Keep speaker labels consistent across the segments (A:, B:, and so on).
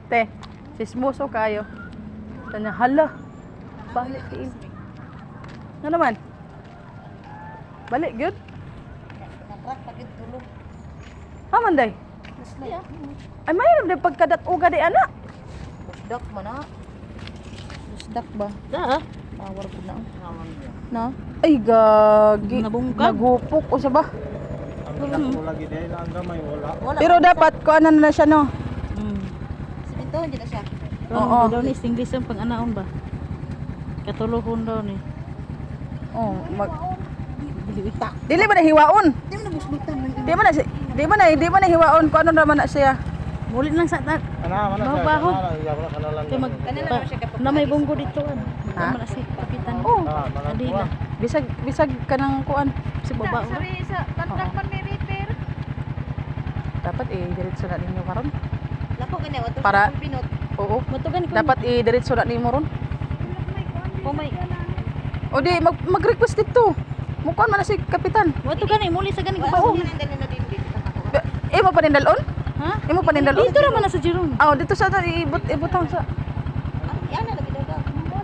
A: Te, sismoso kayo. Tanya, hala. Balik kayo. Nga naman? Balik, good?
B: Natrak pagit tulog.
A: Haman day.
B: Masaya.
A: Ay, mayroon din pagkadat-uga di anak.
B: Busdak man na. Busdak ba?
C: Da.
B: Power ko na.
A: Na? Ay, gagi.
C: Nabungkag.
A: Nagupok o sa ba?
D: Ang ko lagi dahil ang gamay wala.
B: Wala.
A: Pero dapat, kuanan na siya, no?
B: Ito, hindi na siya.
A: Oo.
C: Oo. Daw ni English ang pang-anaon ba? Katuluhon daw ni.
A: Oh,
B: Biliwita.
A: dili ba na hiwaon?
B: Hindi mo na busbutan.
A: Di ba na hiwaon ko ano naman na siya?
C: Mulit lang sa tak.
D: Ana mana siya.
C: Baho.
D: Iya wala kanalan.
C: Kay mag
B: Kanila naman siya kapag-
C: na may bunggo dito an.
A: Ha?
C: Tama na si kapitan.
A: Oh,
D: mga
C: Adi
D: kuha.
C: na.
A: bisag kanang kuan.
C: Si baba.
B: sa contract man may repair.
A: Dapat diretso na ninyo karon.
B: Lako ganyan, wato
A: Para-
B: sa pinot.
A: Oo.
C: Matugan ko.
A: Dapat diretso na nimo ron.
C: Oh my.
A: O di mag-request dito. Mukuan man na si kapitan.
C: Matugan ni muli sa ganing
B: Wala
C: kabaw.
B: sa nandali na din dito sa ako.
A: Imo pa nindalon?
C: Ha?
A: Imo pa nindalon?
C: Dito naman na sa Jerome.
A: Ah, dito sa ibutang sa.
B: Yan na lagi daw daw.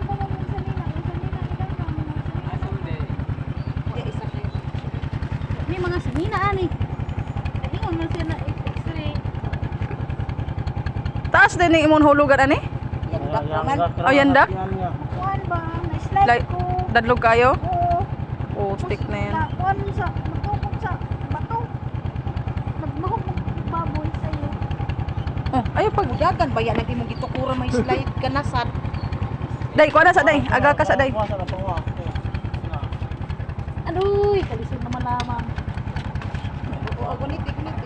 B: Ya isa kayo.
C: May mga sinina ani. Ingon man siya na X-ray.
A: Taas din ni imong hulugan ani?
B: Yan dak naman.
A: Oh, yan dak?
E: Kuan ba? Na-slide
A: Like
E: ko.
A: dadlog kayo?
E: Oo.
A: Oh, stick na yan.
E: Kuan sa, matukok sa bato. Nagmahok ng baboy sa'yo.
A: Oh, ayo pag
B: Dagan ba yan ang imong gitukura may slide ka na sad.
A: Day, kuha na sa day. Aga ka sa day.
D: Kuha sa pawa.
C: Aduy, kalisod naman lamang.
B: Oo, gunit gunit.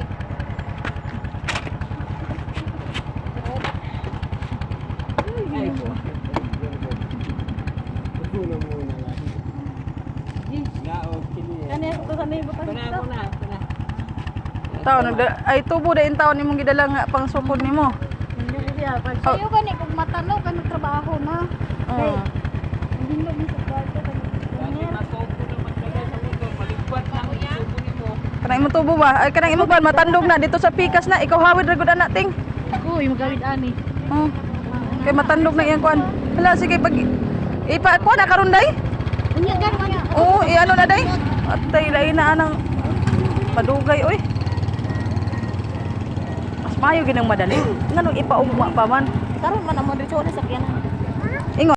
C: Kani to sa may butang dito.
A: Taon ay tubo din taon nimong gidala nga pang sukod nimo.
C: Hindi siya pag
A: Oh.
E: Sa'yo gani, kung matanaw ka ng trabaho na.
A: Oh.
E: Hindi mo sa kwarto ka ng
A: Kanang imong tubo ba? Ay kanang imong ban matandog na dito sa pikas na ikaw hawid ra gud anak ting.
C: Ako, yung magawid ani.
A: Oh. Kay matandog na iyang kuan. Hala sige pag ipa kuan na karon day.
C: Unya gan man.
A: Oo, ano na day? At tay lain na anang madugay oy. Mas mayo ginang madali. Nganong ipaugma pa man.
C: Karon man amo dito sa sakyanan.